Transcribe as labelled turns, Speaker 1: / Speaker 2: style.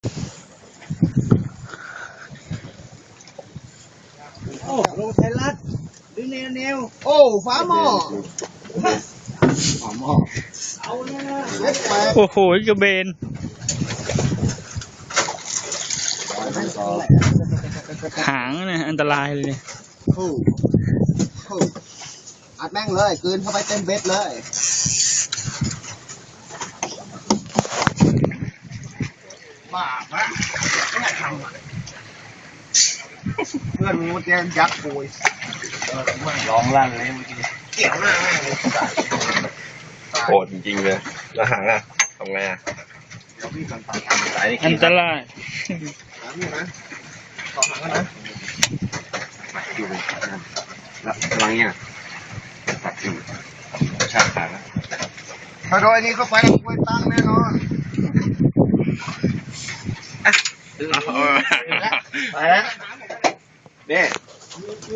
Speaker 1: โอ้ลงไทยรัฐดึงแนวโอ้ฟ้าหม้อฟ้าหม้อเอาเลยนะเล็กไป
Speaker 2: โอ้โหกระเบนหางเนี่ยอันตรายเลยเนี่ย
Speaker 1: อัดแม่งเลยกลืนเข้าไปเต็มเบ็ดเลยบ้าปะไม่ทำอ่ะเพื่อนมึงมันจะยักษ์ปุย
Speaker 3: ร้องลั่นเลยเมื่อกี้
Speaker 1: เกี่ยวหน้าแม่งเลย
Speaker 3: โหดจริงๆเลยแล้วหางอ่ะทำไงอ่ะ
Speaker 1: เดี๋ยวพี่ก่อนตัด
Speaker 3: สายนี่
Speaker 2: อันตราย
Speaker 1: หางนี่นะต่อหางกันนะ
Speaker 3: อยู่แล้วกำลังเนี่ยตัดอยู่ชาขาแล้ว
Speaker 1: ถ้าโดยนี้เข้าไปแล้วกล้วยตั้งแน่นอน
Speaker 3: ไปแล้วเนี่ย